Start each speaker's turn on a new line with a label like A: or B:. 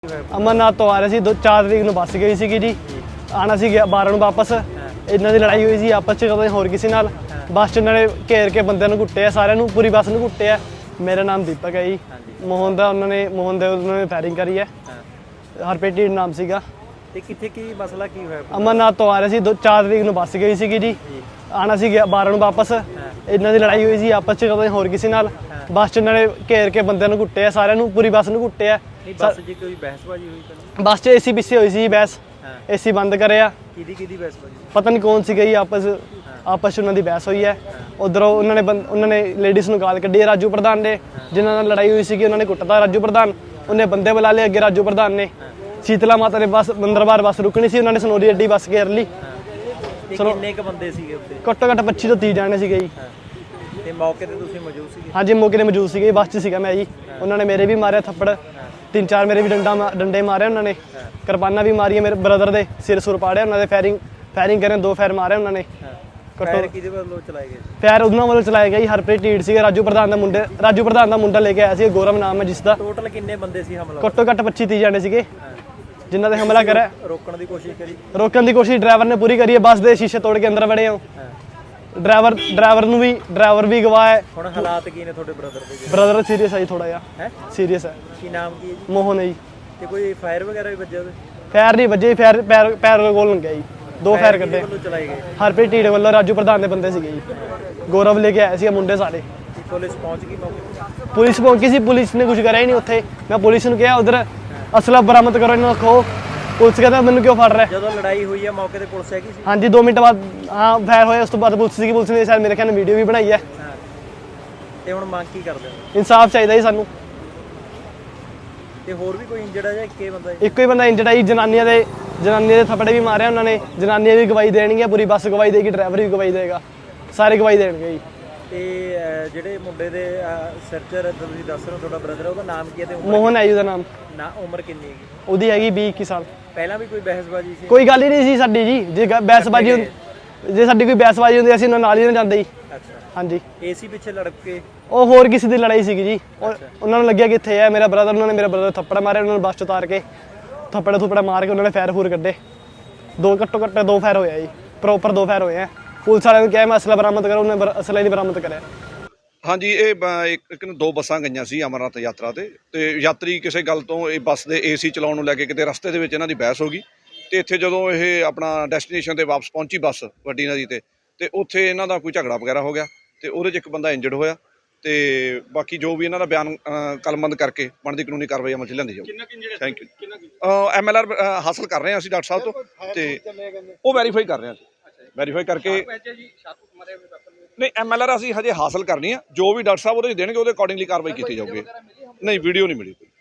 A: अमरनाथ तो आ रहे थे 4 तरीक ਨੂੰ ਬੱਸ ਗਈ ਸੀਗੀ ਜੀ ਆਣਾ ਸੀ 12 ਨੂੰ ਵਾਪਸ ਇਹਨਾਂ ਦੀ ਲੜਾਈ ਹੋਈ ਸੀ ਆਪਸ ਚ ਕਦੇ ਹੋਰ ਕਿਸੇ ਨਾਲ ਬੱਸ ਚ ਉਹਨਾਂ ਨੇ ਘੇਰ ਕੇ ਬੰਦਿਆਂ ਨੂੰ ਕੁੱਟਿਆ ਸਾਰਿਆਂ ਨੂੰ ਪੂਰੀ ਬੱਸ ਨੂੰ ਕੁੱਟਿਆ ਮੇਰਾ ਨਾਮ ਦੀਪਕ ਹੈ ਜੀ ਮੋਹਨ ਦਾ ਉਹਨਾਂ ਨੇ ਫਾਇਰਿੰਗ ਕਰੀ ਹੈ ਹਰਪ੍ਰੀਤ ਢੀਂਡ ਨਾਮ ਸੀਗਾ
B: ਤੇ ਕਿੱਥੇ ਕੀ ਮਸਲਾ ਕੀ ਹੋਇਆ
A: ਅਮਰਨਾਥ ਤੋਂ ਆ ਰਹੇ ਸੀ 4 ਤਰੀਕ ਨੂੰ ਬੱਸ ਗਈ ਸੀਗੀ ਜੀ ਆਣਾ ਸੀ 12 ਨੂੰ ਵਾਪਸ ਇਹਨਾਂ ਦੀ ਲੜਾਈ ਹੋਈ ਸੀ ਆਪਸ ਚ ਕਦੇ ਹੋਰ ਕਿਸੇ ਨਾਲ ਬੱਸ ਚ ਉਹਨਾਂ ਨੇ ਘੇਰ ਕੇ ਬੰਦਿਆਂ ਨੂੰ ਕੁੱਟਿਆ ਸਾਰਿਆਂ ਨੂੰ ਪੂਰੀ ਬੱਸ ਨੂੰ ਕੁੱਟਿਆ
B: ਬੱਸ ਜੀ ਕੋਈ ਬਹਿਸਬਾਜ਼ੀ ਹੋਈ ਤਾਂ
A: ਬੱਸ ਚ ਏਸੀ ਪਿੱਛੇ ਹੋਈ ਸੀ ਬਹਿਸ ਏਸੀ ਬੰਦ ਕਰਿਆ
B: ਕਿਹਦੀ ਬਹਿਸਬਾਜ਼ੀ
A: ਪਤਾ ਨਹੀਂ ਕੌਣ ਸੀ ਗਈ ਆਪਸ ਚ ਉਹਨਾਂ ਦੀ ਬਹਿਸ ਹੋਈ ਹੈ ਉਧਰੋਂ ਉਹਨਾਂ ਨੇ ਲੇਡੀਜ਼ ਨੂੰ ਗਾਲ ਕੱਢੀ ਰਾਜੂ ਪ੍ਰਧਾਨ ਨੇ ਜਿਨ੍ਹਾਂ ਨਾਲ ਲੜਾਈ ਹੋਈ ਸੀਗੀ ਉਹਨਾਂ ਨੇ ਕੁੱਟਤਾ ਰਾਜੂ ਪ੍ਰਧਾਨ ਉਹਨੇ ਬੰਦੇ ਬੁਲਾ ਲਏ ਅੱਗੇ ਰਾਜੂ ਪ੍ਰਧਾਨ ਨੇ ਸ਼ੀਤਲਾ ਮਾਤਾ ਦੇ ਬੱਸ ਮੰਦਰਬਾਰ ਬੱਸ ਰੁਕਣੀ ਸੀ ਉਹਨਾਂ ਨੇ ਸਨੋਰੀ ਅੱਡੀ ਬੱਸ ਘੇਰ ਲਈ
B: ਕਿੰਨੇ ਕ ਬੰਦੇ ਸੀਗੇ ਉੱਤੇ
A: ਘੱਟੋ ਘੱਟ 25 ਤੋਂ 30 ਜਾਣੇ ਸੀਗੇ ਜੀ
B: ਤੇ ਮੌਕੇ ਤੇ ਤੁਸੀਂ ਮੌਜੂਦ ਸੀਗੇ
A: ਹਾਂਜੀ ਮੌਕੇ ਤੇ ਮੌਜੂਦ ਸੀਗੇ ਬੱਸ 'ਚ ਸੀਗਾ ਮੈਂ ਜੀ ਉਹਨਾਂ ਨੇ ਮੇਰੇ ਵੀ ਮਾਰਿਆ ਥੱਪੜ 3-4 ਮੇਰੇ ਵੀ ਡੰਡੇ ਮਾਰੇ ਉਹਨਾਂ ਨੇ ਕਿਰਪਾਨਾਂ ਵੀ ਮਾਰੀਆਂ ਮੇਰੇ ਬ੍ਰਦਰ ਦੇ ਸਿਰ ਸੁਰ ਪਾੜਿਆ ਉਹਨਾਂ ਦੇ ਫਾਇਰਿੰਗ ਕਰੇ 2 ਫਾਇਰ ਮਾਰੇ ਉਹਨਾਂ ਨੇ
B: ਫਾਇਰ ਕਿਹਦੇ ਵੱਲੋਂ ਚਲਾਏ ਗਏ
A: ਫਾਇਰ ਉਹਨਾਂ ਵੱਲੋਂ ਚਲਾਏ ਗਏ ਹਰਪ੍ਰੀਤ ਢੀਂਡ ਸੀਗੇ ਰਾਜੂ ਪ੍ਰਧਾਨ ਦਾ ਮੁੰਡਾ ਲੈ ਕੇ ਆਇਆ ਸੀ ਗੌਰਵ ਨਾਮ ਹੈ ਜਿਸ ਦਾ
B: ਟੋਟਲ ਕਿੰਨੇ ਬੰਦੇ ਸੀ ਹਮਲਾ
A: ਘੱਟੋ ਘੱਟ 25-30 ਜਾਣੇ ਸੀਗੇ ਜਿਨ੍ਹਾਂ ਤੇ ਹਮਲਾ ਕਰਿਆ
B: ਰੋਕਣ ਦੀ ਕੋਸ਼ਿਸ਼ ਕਰੀ
A: ਡਰਾਈਵਰ ਨੇ ਪੂਰੀ ਕਰੀ ਹੈ ਬੱਸ ਦੇ ਸ਼ੀਸ਼ੇ ਤੋੜ ਕੇ ਅੰਦਰ ਵੜੇ ਹੋ ਡਰਾਈਵਰ ਵੀ ਗਵਾਹ ਹੈ
B: ਹੁਣ ਹਾਲਾਤ ਕੀ ਨੇ ਤੁਹਾਡੇ ਬ੍ਰਦਰ ਦੇ
A: ਬ੍ਰਦਰ ਸੀਰੀਅਸ ਹੈ ਜੀ ਥੋੜਾ ਜਿਹਾ
B: ਹੈ
A: ਸੀਰੀਅਸ ਹੈ
B: ਕੀ ਨਾਮ ਕੀ ਹੈ ਜੀ
A: ਮੋਹਨ ਹੈ ਜੀ
B: ਤੇ ਕੋਈ ਫਾਇਰ ਵਗੈਰਾ ਵੀ ਵੱਜਿਆ ਉਹਦੇ
A: ਫਾਇਰ ਨਹੀਂ ਵੱਜੇ ਪੈਰ ਕੋਲ ਲੰਗਿਆ ਜੀ 2 ਫਾਇਰ ਕੱਢੇ
B: ਵੱਲੋਂ ਚਲਾਏ ਗਏ
A: ਹਰਪ੍ਰੀਤ ਢੀਂਡ ਵੱਲੋਂ ਰਾਜੂ ਪ੍ਰਧਾਨ ਦੇ ਬੰਦੇ ਸੀਗੇ ਜੀ ਗੌਰਵ ਲੈ ਕੇ ਆਏ ਸੀ ਮੁੰਡੇ ਸਾਰੇ
B: ਪੁਲਿਸ ਪਹੁੰਚ ਗਈ ਮੌਕੇ
A: ਪੁਲਿਸ ਪਹੁੰਚੀ ਸੀ ਪੁਲਿਸ ਨੇ ਕੁਝ ਕਰਿਆ ਹੀ ਨਹੀਂ ਉੱਥੇ ਮੈਂ ਪੁਲਿਸ ਨੂੰ ਕਿਹਾ ਉਧਰ ਅਸਲਾ ਬਰਾਮਦ ਕਰੋ ਇਹਨਾਂ ਨੂੰ ਖੋ ਪੁਲਿਸ ਕਹਿੰਦਾ ਮੈਨੂੰ ਕਿਉਂ ਫੜ ਰਿਹਾ
B: ਜਦੋਂ ਲੜਾਈ ਹੋਈ ਹੈ ਮੌਕੇ ਤੇ ਪੁਲਿਸ ਹੈਗੀ ਸੀ
A: ਹਾਂਜੀ 2 ਮਿੰਟ ਬਾਅਦ ਹਾਂ ਫਾਇਰ ਹੋਇਆ ਉਸ ਤੋਂ ਬਾਅਦ ਪੁਲਿਸ ਨੇ ਸ਼ਾਇਦ ਮੇਰੇ ਖਿਆਲ ਨਾਲ ਵੀਡੀਓ ਵੀ ਬਣਾਈ ਹੈ
B: ਤੇ ਹੁਣ ਮੰਗ ਕੀ ਕਰਦੇ ਹੋ
A: ਇਨਸਾਫ ਚਾਹੀਦਾ ਜੀ ਸਾਨੂੰ
B: ਤੇ ਹੋਰ ਵੀ ਕੋਈ ਇੰਜਰਡ ਹੈ ਜਾਂ ਇੱਕੇ ਬੰਦਾ
A: ਇੱਕੋ ਹੀ ਬੰਦਾ ਇੰਜਰਡ ਹੈ ਜੀ ਜਨਾਨੀਆਂ ਦੇ ਥੱਪੜੇ ਵੀ ਮਾਰਿਆ ਉਹਨਾਂ ਨੇ ਜਨਾਨੀਆਂ ਵੀ ਗਵਾਹੀ ਦੇਣਗੀਆਂ ਪੂਰੀ ਬੱਸ ਗਵਾਹੀ ਦੇਗੀ ਡਰਾਈਵਰ ਵੀ ਗਵਾਹੀ ਦੇਗਾ ਸਾਰੇ ਗਵਾਹੀ ਦੇਣਗੇ ਜੀ
B: ਤੇ ਜਿਹੜੇ ਮੁੰਡੇ ਦੇ ਸਰਚਰ ਤੁਸੀਂ ਦੱਸ ਰਹੇ ਹੋ ਤੁਹਾਡਾ ਬ੍ਰਦਰ ਉਹਦਾ ਨਾਮ ਕੀ ਹੈ ਤੇ
A: ਮੋਹਨ ਹੈ ਜੀ ਉਹਦਾ ਨਾਮ
B: ਉਮਰ ਕਿੰਨੀ ਹੈਗੀ
A: ਉਹਦੀ ਹੈਗੀ 20-21 ਸਾਲ
B: ਪਹਿਲਾਂ ਵੀ ਕੋਈ ਬਹਿਸਬਾਜ਼ੀ ਸੀ
A: ਕੋਈ ਗੱਲ ਹੀ ਨਹੀਂ ਸੀ ਸਾਡੀ ਜੀ ਜੇ ਸਾਡੀ ਕੋਈ ਬਹਿਸਬਾਜ਼ੀ ਹੁੰਦੀ ਅਸੀਂ ਉਹਨਾਂ ਨਾਲ ਹੀ ਨਾ ਜਾਂਦੇ ਜੀ
B: ਅੱਛਾ
A: ਹਾਂਜੀ
B: ਏਸੀ ਪਿੱਛੇ ਲੜ ਕੇ
A: ਉਹ ਹੋਰ ਕਿਸੇ ਦੀ ਲੜਾਈ ਸੀਗੀ ਜੀ ਉਹਨਾਂ ਨੂੰ ਲੱਗਿਆ ਕਿ ਇੱਥੇ ਹੈ ਮੇਰਾ ਬ੍ਰਦਰ ਉਹਨਾਂ ਨੇ ਮੇਰੇ ਬ੍ਰਦਰ ਥੱਪੜ ਮਾਰੇ ਉਹਨਾਂ ਨੂੰ ਬੱਸ ਚ ਉਤਾਰ ਕੇ ਥੱਪੜਾ ਮਾਰ ਕੇ ਉਹਨਾਂ ਨੇ ਫਾਇਰ ਕੱਢੇ ਘੱਟੋ ਘੱਟ 2 ਫਾਇਰ ਹੋਇਆ ਜੀ ਪ੍ਰੋਪਰ 2 ਫਾਇਰ ਹੋਏ ਆ ਪੁਲਿਸ ਵਾਲਿਆਂ ਨੂੰ ਕਿਹਾ ਮੈਂ ਅਸਲਾ ਬਰਾਮਦ ਕਰੋ ਉਹਨੇ ਅਸਲਾ ਹੀ ਨਹੀਂ ਬਰਾਮਦ ਕਰਿਆ
C: ਹਾਂਜੀ ਇਹ ਇੱਕ 2 ਬੱਸਾਂ ਗਈਆਂ ਸੀ ਅਮਰਨਾਥ ਯਾਤਰਾ ਤੇ ਯਾਤਰੀ ਕਿਸੇ ਗੱਲ ਤੋਂ ਇਹ ਬੱਸ ਦੇ ਏਸੀ ਚਲਾਉਣ ਨੂੰ ਲੈ ਕੇ ਕਿਤੇ ਰਸਤੇ ਦੇ ਵਿੱਚ ਇਹਨਾਂ ਦੀ ਬਹਿਸ ਹੋ ਗਈ ਤੇ ਇੱਥੇ ਜਦੋਂ ਇਹ ਆਪਣਾ ਡੈਸਟੀਨੇਸ਼ਨ ਤੇ ਵਾਪਸ ਪਹੁੰਚੀ ਬੱਸ ਵੱਡੀ ਨਦੀ ਤੇ ਉੱਥੇ ਇਹਨਾਂ ਦਾ ਕੋਈ ਝਗੜਾ ਵਗੈਰਾ ਹੋ ਗਿਆ ਤੇ ਉਹਦੇ 'ਚ ਇੱਕ ਬੰਦਾ ਇੰਜਰਡ ਹੋਇਆ ਤੇ ਬਾਕੀ ਜੋ ਵੀ ਇਹਨਾਂ ਦਾ ਬਿਆਨ ਕਲਮਬੰਦ ਕਰਕੇ ਬਣਦੀ ਕਾਨੂੰਨੀ ਕਾਰਵਾਈ ਅਮਲ 'ਚ ਲਿਆਂਦੀ ਜਾਊਗੀ ਥੈਂਕ ਯੂ MLR ਹਾਸਲ ਕਰ ਰਹੇ ਹਾਂ ਅਸੀਂ ਡਾਕਟਰ ਸਾਹਿਬ ਤੋਂ ਤੇ ਉਹ ਵੈਰੀਫਾਈ ਕਰ ਰਹੇ ਹਾਂ ਵੈਰੀਫਾਈ ਕਰਕੇ ਨਹੀਂ MLR ਅਸੀਂ ਹਜੇ ਹਾਸਲ ਕਰਨੀ ਆ ਜੋ ਵੀ ਡਾਕਟਰ ਸਾਹਿਬ ਉਹਦੇ ਦੇਣਗੇ ਉਹਦੇ ਅਕੋਰਡਿੰਗਲੀ ਕਾਰਵਾਈ ਕੀਤੀ ਜਾਊਗੀ ਨਹੀਂ ਵੀਡੀਓ ਨਹੀਂ ਮਿਲੀ